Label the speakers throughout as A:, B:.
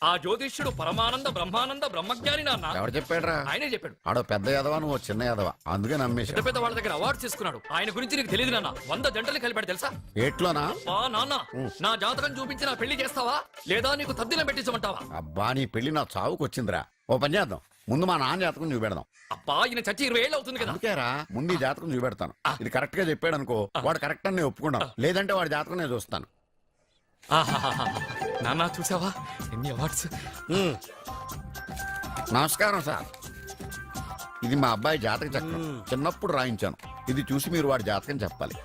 A: ఆ జ్యోతిష్యుడు పరమానంద బ్రహ్మానంద బ్రహ్మజ్ఞాని నాన్న.
B: ఎవరు చెప్పాడురా?
A: ఆయనే చెప్పాడు.
B: ఆడో పెద్ద యాదవా, నువ్వు చిన్న యాదవా, అందుకే నమ్మేశా.
A: పెద్ద పెద్ద వాళ్ళ దగ్గర అవార్డు తీసుకున్నాడు. ఆయన గురించి నీకు తెలియదు నాన్న. 100 జంటలు కలిపాడు తెలుసా?
B: ఏట్లోనా?
A: నాన్న, నా జాతకం చూపించి నా పెళ్లి చేస్తావా లేదా నీకు తద్దిలం పెట్టించమంటావా?
B: అబ్బా, నీ పెళ్లి నా చావుకు వచ్చిందిరా. ఓ పని చేద్దాం, ముందు మా నాన్న జాతకం చూపెడదాం.
A: అబ్బా, ఈయన చచ్చి 20 ఏళ్ళు అవుతుంది కదా.
B: అందుకేరా ముందు ఈ జాతకం చూపెడతాను. ఇది కరెక్ట్ గా చెప్పాడు అనుకో, వాడు కరెక్ట్ అని నేను ఒప్పుకున్నాను. లేదంటే వాడి జాతకం నేను చూస్తాను.
A: నాన్న చూసావా ఎన్ని అవార్డ్స్.
B: నమస్కారం సార్, ఇది మా అబ్బాయి జాతక చక్రం. చిన్నప్పుడు రాయించాను. ఇది చూసి మీరు వాడి జాతకం చెప్పాలి.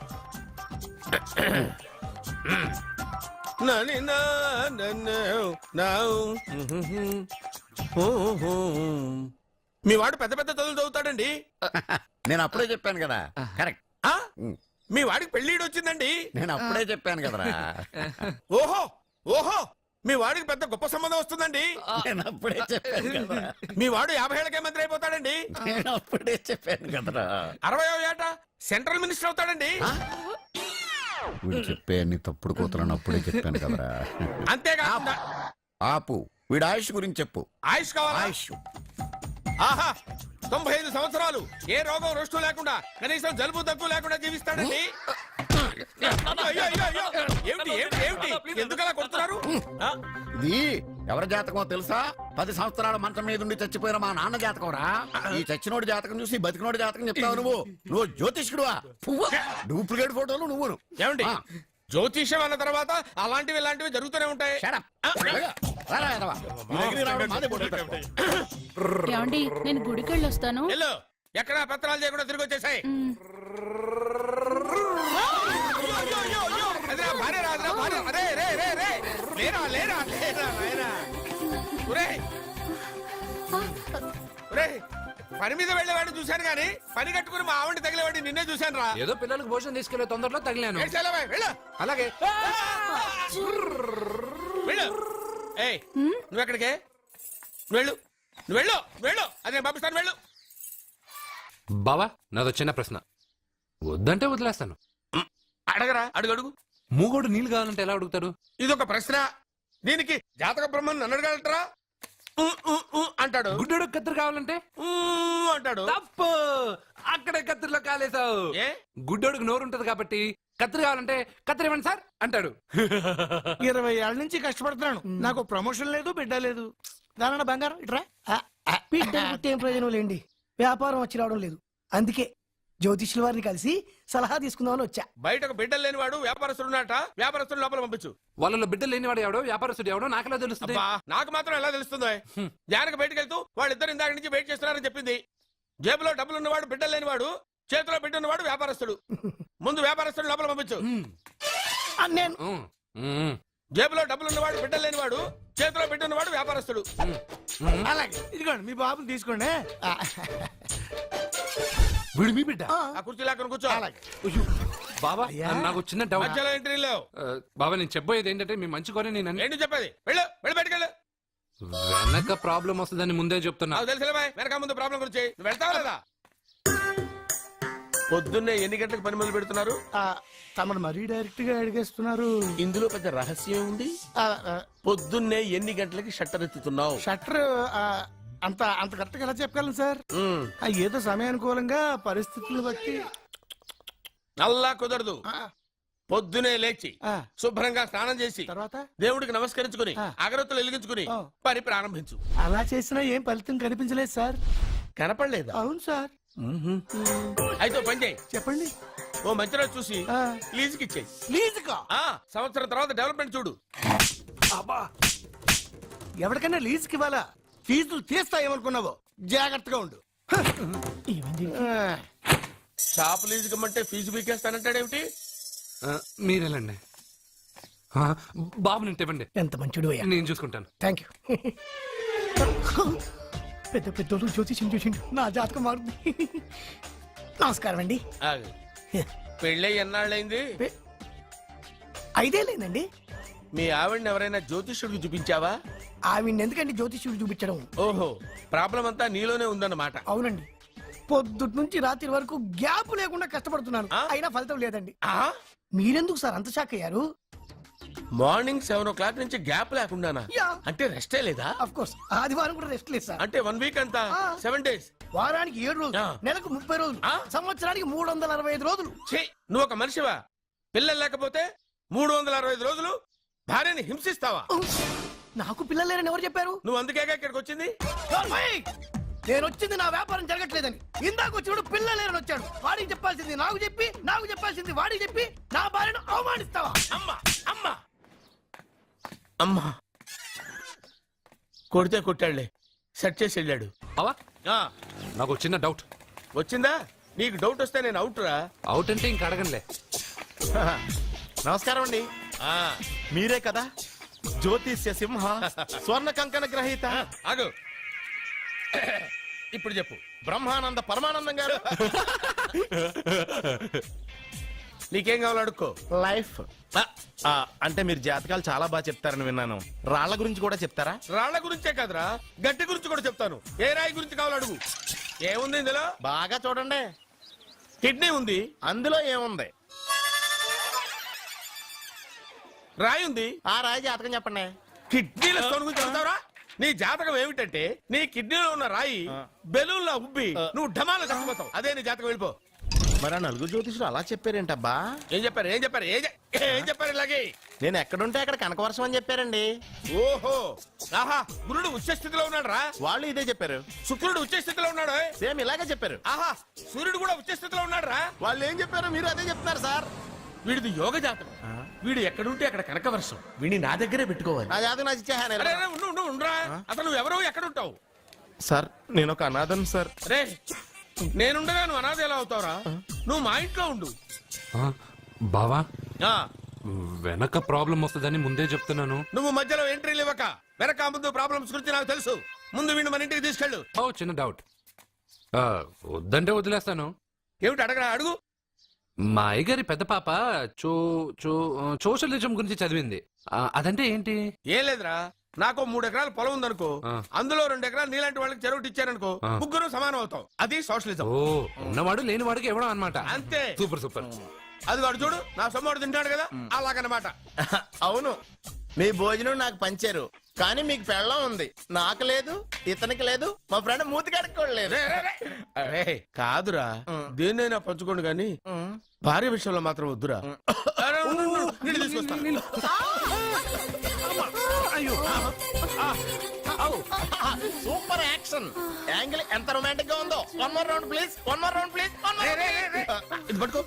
C: మీ వాడు పెద్ద పెద్ద చదువులు చదువుతాడండి.
B: నేను అప్పుడే చెప్పాను కదా. కరెక్ట్.
C: మీ వాడికి పెళ్లిడు వచ్చిందండి.
B: నేను అప్పుడే చెప్పాను కదరా.
C: ఓహో ఓహో, మీ వాడికి పెద్ద గొప్ప సంబంధం వస్తుందండి.
B: నేను అప్పుడే చెప్పాను కదా.
C: మీ వాడు 50 ఏళ్ళకే మంత్రి అయిపోతాడండి.
B: నేను అప్పుడే చెప్పాను కదరా.
C: 60వ ఏట సెంట్రల్ మినిస్టర్ అవుతాడండి.
B: వీడు చెప్పే అన్ని తప్పుడు కూతురని అప్పుడే చెప్పాను కదరా.
C: అంతేకాకుండా
B: ఆపు, వీడి ఆయుష్ గురించి చెప్పు.
C: ఆయుష్ కావాలా?
B: ఆయుష్
C: ఆహా, 95 సంవత్సరాలు ఏ రోగం రుష్టు లేకుండా, కనీసం జలుబు దగ్గు లేకుండా జీవిస్తాడండి. అయ్యో, అయ్యో, అయ్యో. ఏమిటి ఏమిటి ఏమిటి, ఎందుకలా కొడుతున్నారు?
B: ఇది ఎవరి జాతకమో తెలుసా? 10 సంవత్సరాల మంచం మీద ఉండి చచ్చిపోయిన మా నాన్న జాతకం రా. ఈ చచ్చినోడి జాతకం చూసి బతికినోడి జాతకం చెప్తావు నువ్వు జ్యోతిష్కుడువా? డూప్లికేట్ ఫోటోలు నువ్వు.
C: ఏమండి, జ్యోతిష్యం అన్న తర్వాత అలాంటివి ఇలాంటివి జరుగుతూనే ఉంటాయి.
D: ఏమండి, నేను గుడికి వెళ్ళి వస్తాను.
C: ఎక్కడ పత్రాలు చేయకుండా తిరిగి వచ్చేసాయి. పని మీద వెళ్ళేవాడిని చూశాను గానీ పని కట్టుకుని మా ఆవిడ తగిలేవాడిని నిన్నే చూశాను రా.
A: ఏదో పిల్లలకు భోజనం తీసుకెళ్లే తొందరలో తగిలాను.
C: అలాగే నువ్వు ఎక్కడికే? వెళ్ళు నువ్వు వెళ్ళు వెళ్ళు, అదే పంపిస్తాను, వెళ్ళు.
E: బావా, నాదో చిన్న ప్రశ్న. వద్దంటే వదిలేస్తాను.
C: అడగరా, అడుగు అడుగు.
E: మూగోడు నీళ్ళు కావాలంటే ఎలా అడుగుతాడు?
C: ఇదొక ప్రశ్న. దీనికి జాతక బ్రహ్మను నన్ను అడగలటరా? అంటాడు.
E: గుడ్డోడు కత్తిరి కావాలంటే
C: అంటాడు.
E: తప్పు, అక్కడే కత్తిరిలో కాలేసావు. గుడ్డోడికి నోరు ఉంటది కాబట్టి కత్తిరి కావాలంటే కత్తిరి ఇవ్వండి సార్ అంటాడు.
F: 20 ఏళ్ళ నుంచి కష్టపడుతున్నాను, నాకు ప్రమోషన్ లేదు, బిడ్డ లేదు. దానన్న బంగారం ఇట్రా. బిడ్డ పుట్టి ఏం ప్రయోజనం లేండి, వ్యాపారం వచ్చి రావడం లేదు. అందుకే జ్యోతిష్యుల వారిని కలిసి సలహా తీసుకుందామని వచ్చా.
C: బయటకు బిడ్డలు లేనివాడు వ్యాపారస్తుడు ఉన్నట. వ్యాపారస్తుడు లోపల పంపించు.
E: వాళ్ళలో బిడ్డలు లేనివాడు ఎవడో వ్యాపారస్తుడు ఎవడో నాకెలా తెలుస్తుంది?
C: నాకు మాత్రం ఎలా తెలుస్తుందో? జానకి బయటకు వెళ్తూ వాళ్ళిద్దరు ఇందాక నుంచి వెయిట్ చేస్తున్నారని చెప్పింది. జేబులో డబ్బులు ఉన్నవాడు బిడ్డలు లేనివాడు, చేతిలో బిడ్డ ఉన్నవాడు వ్యాపారస్తుడు. ముందు వ్యాపారస్తుడు లోపల పంపించు.
F: నేను
C: జేబులో డబ్బులు ఉన్నవాడు బిడ్డలు లేనివాడు, చేతిలో బిడ్డ ఉన్నవాడు వ్యాపారస్తుడు.
F: అలాగే, ఇదిగోండి మీ బాబుని తీసుకోండి.
E: వీడు మీ బిడ్డ?
C: ఆ కుర్చీ లాక్కను కూర్చో.
E: బాబా, నాకు చిన్న డౌట్.
C: మధ్యలో ఎంట్రీ లేవు.
E: బాబా, నేను చెప్పబోయేది ఏంటంటే మీ మంచి కోరే నేను
C: ఏంటి చెప్పేది? వెళ్ళు వెళ్ళి బయటకెళ్ళు.
E: వెనక ప్రాబ్లం వస్తుందని ముందే చెప్తున్నా.
C: నాకు తెలుసులే, వెనక ముందు ప్రాబ్లం గురించి. నువ్వు వెళ్తావా లేదా? పొద్దున్నే ఎన్ని గంటలకు పని మొదలు పెడుతున్నారు?
F: తమను మరీ డైరెక్ట్ గా అడిగేస్తున్నారు.
C: ఇందులో పెద్ద రహస్యం ఉంది. పొద్దున్నే ఎన్ని గంటలకి షట్టర్ ఎత్తుతున్నావు?
F: షట్టర్ అంత అంత కరెక్ట్ గా ఎలా చెప్పగలను సార్? ఏదో సమయానుకూలంగా పరిస్థితులను బట్టి.
C: అల్లా కుదరదు. పొద్దునే లేచి శుభ్రంగా స్నానం చేసి తర్వాత దేవుడికి నమస్కరించుకుని అగరత్తులు వెలిగించుకుని పని ప్రారంభించు.
F: అలా చేసినా ఏం ఫలితం కనిపించలేదు సార్.
C: కనపడలేదు?
F: అవును సార్.
C: అయితే పని చేయి.
F: చెప్పండి.
C: ఓ మంచి రోజు చూసి లీజుకి ఇచ్చేయి.
F: లీజుకా?
C: సంవత్సరం తర్వాత డెవలప్మెంట్ చూడు.
F: ఎవరికైనా లీజుకి ఇవ్వాలా? ఫీజులు తీస్తాయేమనుకున్నావో, జాగ్రత్తగా ఉండు.
C: షాప్ లీజుకి ఇమ్మంటే ఫీజు పీకేస్తానంటాడేమిటి?
E: మీరేలండి బాబు, నేను ఇవ్వండి.
F: ఎంత మంచిడు అయ్యా,
E: నేను చూసుకుంటాను.
F: Thank you. పెద్ద పెద్దోళ్ళు జ్యోతిష్యం చూసిండు, నా జాతకం మారుంది. నమస్కారం అండి.
C: పెళ్ళై ఎన్నాళ్ళైంది?
F: 5 ఏళ్ళైందండి.
C: మీ ఆవిడని ఎవరైనా జ్యోతిష్యుడికి చూపించావా?
F: ఆవిడ ఎందుకండి జ్యోతిష్యుడు చూపించడం?
C: ఓహో, ప్రాబ్లం అంతా నీలోనే ఉందన్నమాట.
F: అవునండి, పొద్దుటి నుంచి రాత్రి వరకు గ్యాప్ లేకుండా కష్టపడుతున్నాను, అయినా ఫలితం లేదండి. మీరెందుకు సార్ అంత షాక్ అయ్యారు?
C: మార్నింగ్ 7 o'clock నుంచి గ్యాప్ లేకుండానా?
F: యా.
C: అంటే రెస్టే లేదా?
F: ఆఫ్ కోర్స్ ఆదివారం కూడా రెస్ట్ లేదు సార్.
C: అంటే 1 వీక్ అంతా 7 days.
F: వారానికి 7 రోజులు,
C: ఆ.
F: నెలకు 30 రోజులు,
C: ఆ.
F: సంవత్సరానికి 365 రోజులు.
C: ఛీ, నువ్వు ఒక మనిషివా? పిల్లలు లేకపోతే 365 రోజులు భార్యని హింసిస్తావా?
F: నాకు పిల్లలు లేరని ఎవరు చెప్పారు?
C: నువ్వు అందుకేగా ఇక్కడికి వచ్చింది.
F: నార్మల్! నేను వచ్చింది నా వ్యాపారం జరగట్లేదని. ఇందాక వచ్చినప్పుడు పిల్లలు లేరని వచ్చాడు. వాడికి చెప్పాల్సింది నాకు చెప్పి, నాకు చెప్పాల్సింది వాడికి చెప్పి నా భార్యను అవమానిస్తావా?
C: అమ్మా అమ్మా అమ్మా కొడితే కొట్టాడులే, సెట్ చేసి వెళ్ళాడు.
E: బావా
C: ఆ,
E: నాకు ఒక చిన్న డౌట్.
C: వచ్చిందా? నీకు డౌట్ వస్తే నేను అవుట్ రా.
E: అవుట్ అంటే ఇంక అడగనులే.
G: నమస్కారం అండి.
C: ఆ,
G: మీరే కదా జ్యోతిష్య సింహ స్వర్ణ కంకణ గ్రహీత
C: ఆగు. ఇప్పుడు చెప్పు.
G: బ్రహ్మానంద పరమానందం గారు.
C: నీకేం కావాలో అడుక్కో.
G: లైఫ్ అంటే మీరు జాతకాలు చాలా బాగా చెప్తారని విన్నాను. రాళ్ల గురించి కూడా చెప్తారా?
C: రాళ్ల గురించే కాదురా, గట్టి గురించి కూడా చెప్తాను. ఏ రాయి గురించి కావాలో అడుగు. ఏముంది ఇందులో?
G: బాగా చూడండి.
C: కిడ్నీ ఉంది.
G: అందులో ఏముంది?
C: రాయి ఉంది.
G: ఆ రాయి జాతకం చెప్పండి.
C: కిడ్నీల స్టోన్ గురించి చెప్తావురా? నీ జాతకం ఏమిటంటే నీ కిడ్నీలో ఉన్న రాయి బెలూన్లా ఉబ్బి నువ్వు ఢమాలో చచ్చిపోతావు. అదే నీ జాతకం. వెళ్ళిపో.
G: మరి ఆ నలుగురు జ్యోతిషులు అలా చెప్పారేంటబ్బా?
C: ఏం చెప్పారు? ఏం చెప్పారు? ఏం చెప్పారు ఇలాగే?
G: నేను ఎక్కడుంటే అక్కడ కనకవర్షం అని చెప్పారండి.
C: ఓహో, ఆహా, గురుడు ఉచ్చ స్థితిలో ఉన్నాడు రా.
G: వాళ్ళు ఇదే చెప్పారు.
C: శుక్రుడు ఉచ్చ స్థితిలో ఉన్నాడు.
G: సేమ్ ఇలాగే చెప్పారు.
C: ఆహా, సూర్యుడు కూడా ఉచ్చ స్థితిలో ఉన్నాడు రా.
G: వాళ్ళు ఏం చెప్పారు మీరు అదే చెప్తున్నారు సార్.
C: వీడిది యోగ జాతకం. వీడు ఎక్కడుంటే అక్కడ కనకవర్షం. వీడిని నా దగ్గరే పెట్టుకోవాలి.
G: ఆ జాతకం నాకు ఇచ్చేహాను.
C: అరే, అరే, ఉండురా. అసలు నువ్వు ఎవరో ఎక్కడుంటావు?
G: సార్ నేను ఒక అనాథం సార్.
C: రే, నేనుండగా నువ్వు అనాథ ఎలా అవుతావురా? నువ్వు మా ఇంట్లో ఉండు.
E: ఆ, బావా
C: ఆ,
E: వెనక ప్రాబ్లం వస్తుందని ముందే చెప్తున్నాను.
C: నువ్వు మధ్యలో ఎంట్రీలు ఇవ్వక. వెనక ముందు ప్రాబ్లమ్స్ గురించి నాకు తెలుసు. ముందు వీడిని మన ఇంటికి తీసుకెళ్ళు.
E: ఓ చిన్న డౌట్. వద్దంటే వదిలేస్తాను.
C: ఏమిటి అడగరా? అడుగు.
E: మా అయ్యగారి పెద్ద పాప సోషలిజం గురించి చదివింది. అదంటే ఏంటి?
C: ఏం లేదురా, నాకు 3 ఎకరాల పొలం ఉందనుకో,
E: ఆ. అందులో
C: 2 ఎకరాలు నీలాంటి వాళ్ళకి చెరువు ఇచ్చారనుకో,
E: ఆ.
C: ముగ్గురు సమానం అవుతాం. అది సోషలిజం.
E: ఓ ఉన్నవాడు లేనివాడికి ఇవ్వడం అనమాట.
C: అంతే.
E: Super super.
C: అది వాడు చూడు, నా సొమ్మడు తింటాడు కదా, అలాగనమాట.
G: అవును, మీ భోజనం నాకు పంచారు, కానీ మీకు పెళ్ళం ఉంది. నాకు లేదు, ఇతనికి లేదు, మా ఫ్రెండ్ మూతి కడుక్కోలేదు.
C: అరే, కాదురా, దేన్నైనా పంచుకోండి కానీ భార్య విషయంలో మాత్రం వద్దురా. అరే, ఉండు, ఉండు, నీళ్ళు తీసుకొస్తా.
G: సూపర్ యాక్షన్ యాంగిల్ ఎంత రొమాంటిక్ గా ఉందో. One more round please, one more round please.
C: ఇది పట్టుకో.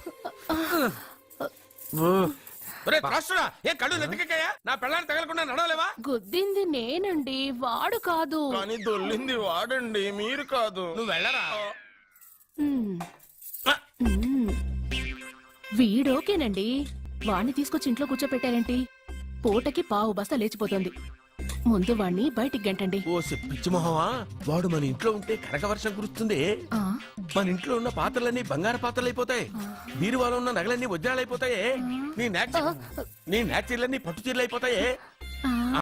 C: ఒరే, త్రాసుడా, ఏ కళ్ళు నెత్తికెక్కాయా? నా పెళ్ళాన్ని తగలకుండా నడవలేవా?
D: గుద్దింది నేనండి, వాడు కాదు.
G: కానీ దొల్లింది వాడండి, మీరు కాదు.
C: నువ్వు వెళ్ళరా.
D: మ్మ్. మ్మ్. వీడోకేనండి. వాణ్ణి తీసుకొచ్చి ఇంట్లో కూర్చోపెట్టారేంటి? పూటకి పావు బస్తా లేచిపోతుంది. ముందు వాణ్ణి బయటికి గంటండి.
C: ఓ పిచ్చి మొహమా, వాడు మన ఇంట్లో ఉంటే కనక వర్షం కురుస్తుంది.
D: ఆ,
C: మన ఇంట్లో ఉన్న పాత్రలన్నీ బంగారు పాత్రలు అయిపోతాయి. బీరువాలో ఉన్న నగలన్నీ వజ్రాలు అయిపోతాయి. నీ నాచీర్లన్నీ పట్టు చీరలు అయిపోతాయి.
D: ఆ.